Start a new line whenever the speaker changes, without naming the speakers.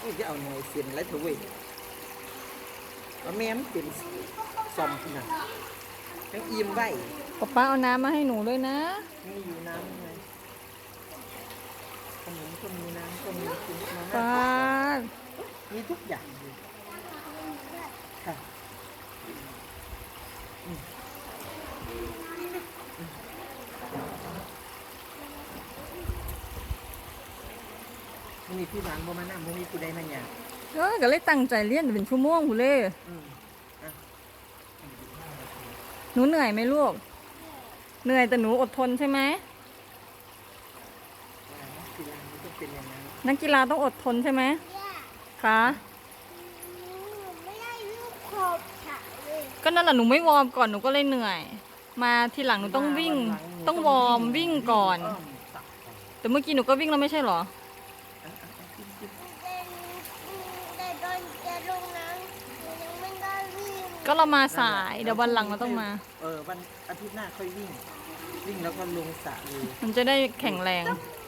นี่จะเอาหน่วยเสียนไรเถอะเว้ยเอาแม่มันเป็นซอมขนาดยังอิ่มไว้
ป๊าเอาน้ำมาให้หนูด้วยนะ
มีอยู่น้ำไงขนมก็มีน้ำก็มีคุณมา
ป๊า
ม่ามีทุกอย่างเลยค่ะมีพี่หวานบ่มานั่งบ่มีผู้ใดมาหยา
ก็เลยตั้งใจเรียนเป็นชั่วโมงคุณเล่หนูเหนื่อยไหมลูกเหนื่อยแต่หนูอดทนใช่ไหม
กีฬามันต้องเป็นอย่างนั้น
นักกีฬาต้องอดทนใช่ไหมคะ
ไม่ได้ลูกขอบฉันเลย
ก็นั่นแหละหนูไม่วอร์มก่อนหนูก็เลยเหนื่อย มาทีหลังหนูต้องวิ่งต้องวอร์มวิ่งก่อน แต่เมื่อกี้หนูก็วิ่งแล้วไม่ใช่เหรอ
แต่ตอนจะลงน้ำหนูยังไม่ได้วิ่ง
ก็เรามาสายเดี๋ยววันหลังเราต้องมา
วันอาทิตย์หน้าค่อยวิ่งแล้วก็ลงสระเลย
มันจะได้แข็งแรง
ต้อง